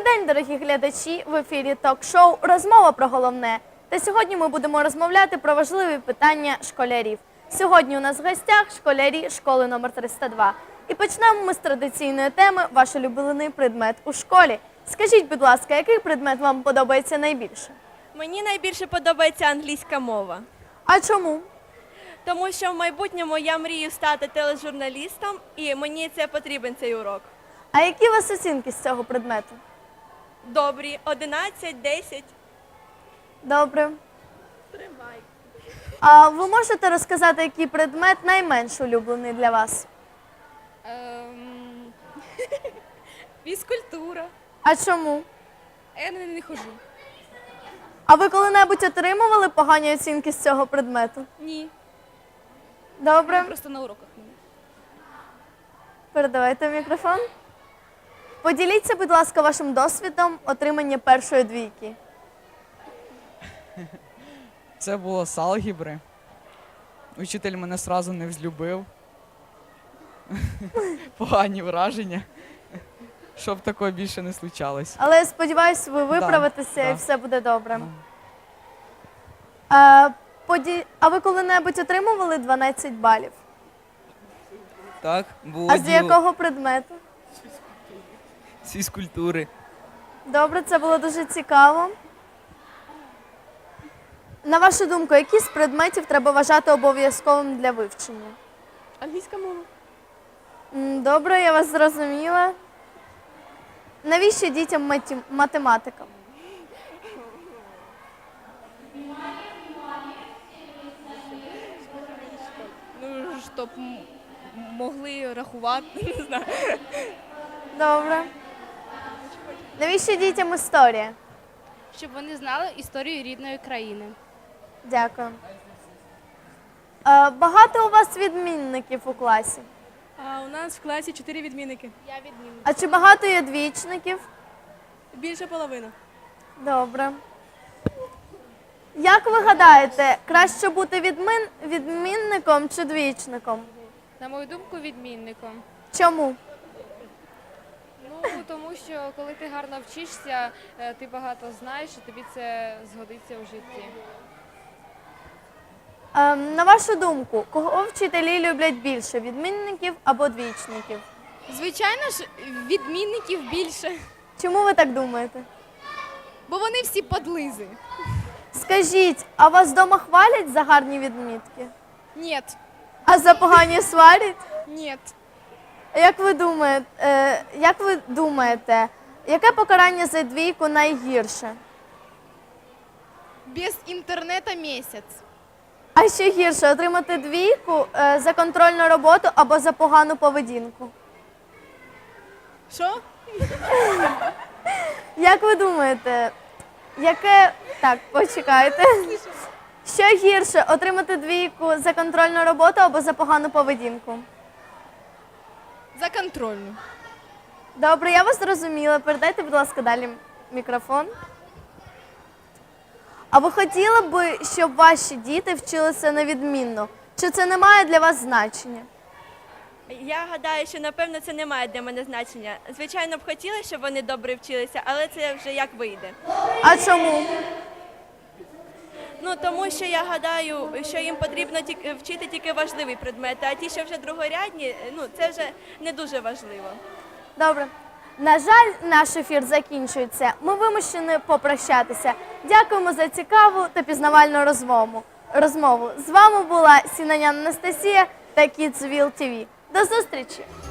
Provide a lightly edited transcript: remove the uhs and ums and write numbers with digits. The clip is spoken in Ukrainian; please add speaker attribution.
Speaker 1: день, дорогі глядачі! В ефірі ток-шоу «Розмова про головне». Та сьогодні ми будемо розмовляти про важливі питання школярів. Сьогодні у нас в гостях школярі школи номер 302. І почнемо ми з традиційної теми «Ваш улюблений предмет у школі». Скажіть, будь ласка, який предмет вам подобається найбільше?
Speaker 2: Мені найбільше подобається англійська мова.
Speaker 1: А чому?
Speaker 2: Тому що в майбутньому я мрію стати тележурналістом, і мені це потрібен цей урок.
Speaker 1: А які у вас оцінки з цього предмету?
Speaker 2: Добрі, 11, 10.
Speaker 1: Добре.
Speaker 2: Тримай.
Speaker 1: А ви можете розказати, який предмет найменш улюблений для вас?
Speaker 3: Фізкультура.
Speaker 1: А чому?
Speaker 3: Я не хожу.
Speaker 1: А ви коли-небудь отримували погані оцінки з цього предмету?
Speaker 3: Ні.
Speaker 1: Добре.
Speaker 3: Просто на уроках.
Speaker 1: Передавайте мікрофон. Поділіться, будь ласка, вашим досвідом отримання першої двійки.
Speaker 4: Це було з алгебри. Учитель мене одразу не взлюбив. Погані враження. Щоб такого більше не случалось.
Speaker 1: Але я сподіваюся, ви виправитеся і
Speaker 4: да.
Speaker 1: все буде добре.
Speaker 4: Да.
Speaker 1: А ви коли-небудь отримували 12 балів?
Speaker 5: Так, було
Speaker 1: А з якого предмету?
Speaker 5: з фізкультури.
Speaker 1: Добре, це було дуже цікаво. На вашу думку, які з предметів треба вважати обов'язковим для вивчення?
Speaker 3: Англійська мова.
Speaker 1: Добре, я вас зрозуміла. Навіщо дітям математика?
Speaker 3: Ну, щоб могли рахувати, не знаю.
Speaker 1: Добре. Навіщо дітям історія?
Speaker 6: Щоб вони знали історію рідної країни.
Speaker 1: Дякую. Багато у вас відмінників у класі?
Speaker 3: А у нас в класі 4 відмінники.
Speaker 6: Я відмінник.
Speaker 1: А чи багато є двічників?
Speaker 3: Більше половини.
Speaker 1: Добре. Як ви гадаєте, краще бути відмінником чи двічником?
Speaker 6: На мою думку, відмінником.
Speaker 1: Чому?
Speaker 6: Ну, тому що коли ти гарно вчишся, ти багато знаєш, і тобі це згодиться у житті.
Speaker 1: На вашу думку, кого вчителі люблять більше, відмінників або двічників?
Speaker 3: Звичайно ж, відмінників більше.
Speaker 1: Чому ви так думаєте?
Speaker 3: Бо вони всі подлизи.
Speaker 1: Скажіть, а вас вдома хвалять за гарні відмітки?
Speaker 3: Ні.
Speaker 1: А за погані сварять?
Speaker 3: Ні.
Speaker 1: Як ви думаєте, яке покарання за двійку найгірше?
Speaker 3: Без інтернету місяць.
Speaker 1: А що гірше, отримати двійку за контрольну роботу або за погану поведінку?
Speaker 3: Що?
Speaker 1: Як ви думаєте, яке... Так, почекайте. Що гірше, отримати двійку за контрольну роботу або за погану поведінку?
Speaker 3: За контрольну.
Speaker 1: Добре, я вас зрозуміла. Передайте, будь ласка, далі мікрофон. А ви хотіли б, щоб ваші діти вчилися невідмінно? Чи це не має для вас значення?
Speaker 2: Я гадаю, що, напевно, це не має для мене значення. Звичайно, б хотіла, щоб вони добре вчилися, але це вже як вийде.
Speaker 1: А чому?
Speaker 2: Ну, тому що я гадаю, що їм потрібно вчити тільки важливі предмети, а ті, що вже другорядні, ну, це вже не дуже важливо.
Speaker 1: Добре. На жаль, наш ефір закінчується. Ми вимушені попрощатися. Дякуємо за цікаву та пізнавальну розмову. З вами була Сінанян Анастасія та Kidsville TV. До зустрічі!